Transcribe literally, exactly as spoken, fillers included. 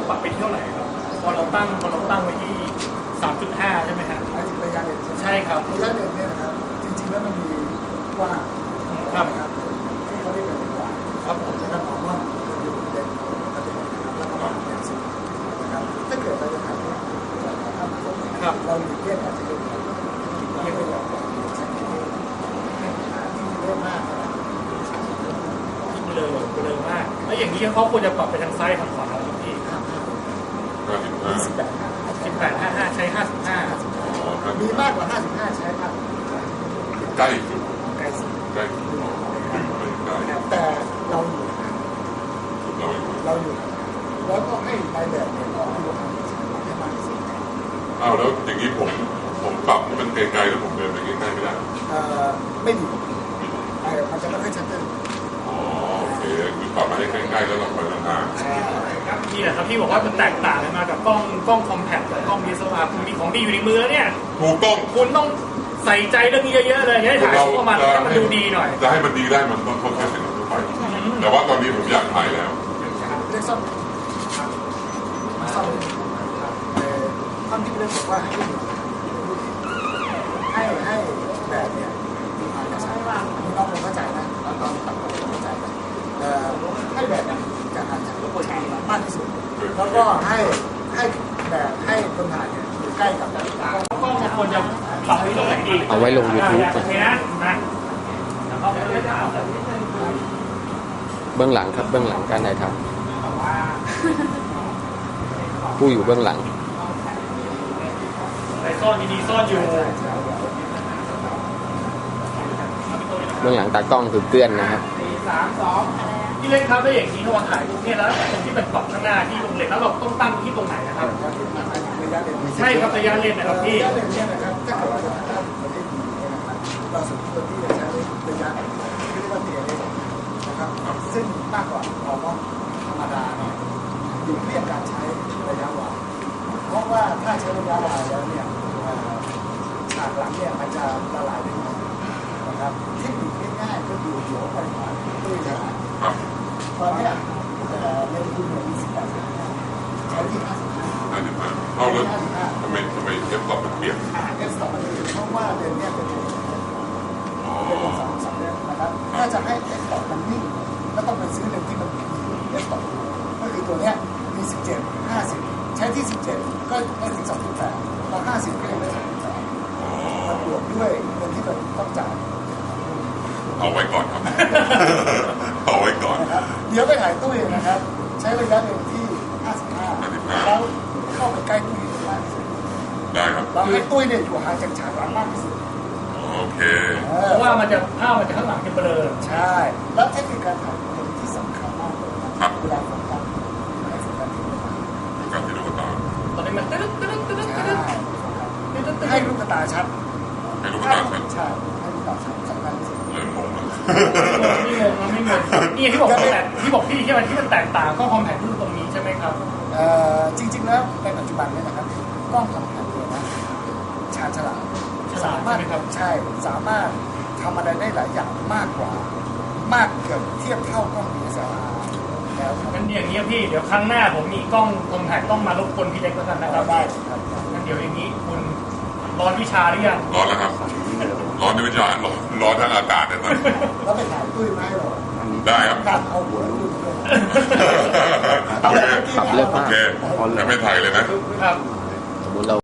ปรับไปเท่าไหร่ครับพอเราตั้งพอเราตั้งไว้ที่ สามจุดห้า ใช่ไหมครับหมายถึงระยะเลนใช่ไหมใช่ครับระยะเลนเนี่ยนะครับจริงๆแล้วมันมีกว้างครับครับที่เขาเรียกกันกว้างครับผมนะครับมองว่ามันอยู่เลนปกตินะครับแล้วก็มาเลนสุดนะครับถ้าเกิดเราจะถ่ายเนี่ยจากภาพตรงนี้เราหลีกเลี่ยงอาจจะเป็นไม่ไปหลอกใช้ที่เยอะมากนะเบลอเบลอมากแล้วอย่างนี้เขาควรจะปรับไปทางซ้ายทางขวาครับพี่สิบแปดสิบแปดห้าห้าใช้ห้าสิบห้ามีมากกว่าห้าสิบห้าใช้มากใกล้ใกล้สุดใกล้แต่เราอยู่เราอยู่แล้วก็ให้นายแบบเนี่ยดูทางให้มากที่สุดอ้าวแล้วอย่างนี้ผมผมปรับให้มันไกลๆแล้วผมเดินไปใกล้ๆไม่ได้เอ่อไม่ดีไอ้มันจะไม่ค่อยชัดเจนอ๋อโอเคคือปรับมาให้ใกล้ๆแล้วเราไปห่างๆนี่แหละครับที่บอกว่ามันแตกต่างกันมากับกล้องกล้องคอมแพคกับกล้องดีเอส แอล อาร์ คุณมีของดีอยู่ในมือแล้วเนี่ยถูกต้องคุณต้องใส่ใจเรื่องนี้เยอะๆเลยให้ถ่ายออกมาให้มันดูดีหน่อยจะให้มันดีได้มันต้องแค่สิ่งทั่วไปแต่ว่าตอนนี้ผมอยากถ่ายแล้วเรียกซ่อมซ่อมท่านที่เรียกบอกว่าให้ให้แบบเนี่ยมีความจะใช้ว่าไม่ต้องเข้าใจนะตอนตอนตัดผมเข้าใจให้แบบจะอาจจะมากที่สุดแล้วก็ให้ให้แบบให้คนถ่ายเนี่ยอยู่ใกล้กับนาฬิกาก็ควรจะปรับให้ตรงไหนดีเอาไว้ลง YouTube โอเคนะนะเบื้องหลังครับเบื้องหลังการถ่ายทำผู้อยู่เบื้องหลังแต่ซ่อนดีๆซ่อนอยู่เบื้องหลังตากล้องคือเกลื่อนนะครับสามสองที่เล่นครับได้อย่างนี้ถ้าเราถ่ายรูปเนี่ยแล้วตรงที่เป็นปรับข้างหน้าที่ลงเหล็กแล้วเราต้องตั้งที่ตรงไหนนะครับใช่ครับระยะเลนนะครับพี่ระยะเลนเนี่ยนะครับถ้าเกิดเราจะตั้งประเทศนี้นะครับเราสมควรที่จะใช้ระยะที่เรียกว่าเทียร์เลยนะครับซึ่งมากกว่าเราต้องธรรมดาเนี่ยอยู่เรียกการใช้ระยะวายเพราะว่าถ้าใช้ระยะวายแล้วเนี่ยฉากหลังเนี่ยมันจะละลายได้ง่ายนะครับเทคนิคง่ายๆก็คือหัวปริมาณด้วยนะตอนนี้เลนส์คุณมีสิบแปดใช้ที่ห้าสิบห้าห้าสิบห้าเอาแล้วทำไมทำไมเอฟต่อมันเปลี่ยนเอฟต่อมันเปลี่ยนเพราะว่าเลนส์เนี่ยเป็นเลนส์เป็นเลนส์สองสามเลนส์นะครับถ้าจะให้เอฟต่อมันนิ่งก็ต้องไปซื้อเลนส์ที่มันมีเอฟต่อก็คือตัวเนี้ยมีสิบเจ็ดห้าสิบใช้ที่สิบเจ็ดก็ไม่ถึงสองจุดแปดพอห้าสิบก็ยังไม่ถึงสองจุดแปดมันบวกด้วยเงินที่เราต้องจ่ายเอาไว้ก่อนครับเอาไว้ก่อนเดี๋ยวไปถ่ายตู้เองนะครับใช้ระยะเลนที่ห้าสิบห้าแล้วเข้าไปใกล้ตู้เองมากที่สุดได้ครับแล้วให้ตู้เนี่ยอยู่ห่างจากฉากหลังมากที่สุดโอเคเพราะว่ามันจะภาพมันจะข้างหลังจะเบลอใช่แล้วเทคนิคการถ่ายเป็นที่สำคัญมากเลยนะเวลาโฟกัสให้โฟกัสที่ลูกตาโฟกัสที่ลูกตาตอนนี้มันตึ๊ดตึ๊ดตึ๊ดตึ๊ดให้ลูกตาชัดให้ลูกตาชัดใช่ให้ลูกตาชัดสำคัญที่สุดเริ่มงงแล้วไม่งงไม่งงนี่ที่บอกแต่ที่บอกพี่ที่มันที่มันแตกต่างก็คอมแพคตรงนี้ใช่ไหมครับเอ่อจริงๆแล้วในปัจจุบันเนี่ยนะครับกล้องคอมแพคเนี่ยนะชาญฉลาดสามารถใช่สามารถทำอะไรได้หลายอย่างมากกว่ามากเกือบเทียบเท่ากล้อง ดี เอส แอล อาร์ แล้วงั้นอย่างนี้พี่เดี๋ยวครั้งหน้าผมมีกล้องคอมแพคต้องมารบกวนพี่เล็กแล้วกันนะครับได้ครับงั้นเดี๋ยวอย่างนี้คุณร้อนวิชาหรือยังร้อนแล้วครับร้อนในวิชาร้อนร้อนทั้งอากาศเลยตอนนี้แล้วไปถ่ายตุ้ยไหมหรอได้ครับตัดเอาหัวลูกเลยโอเคโอเคยังไม่ถ่ายเลยนะครับสมมติเรา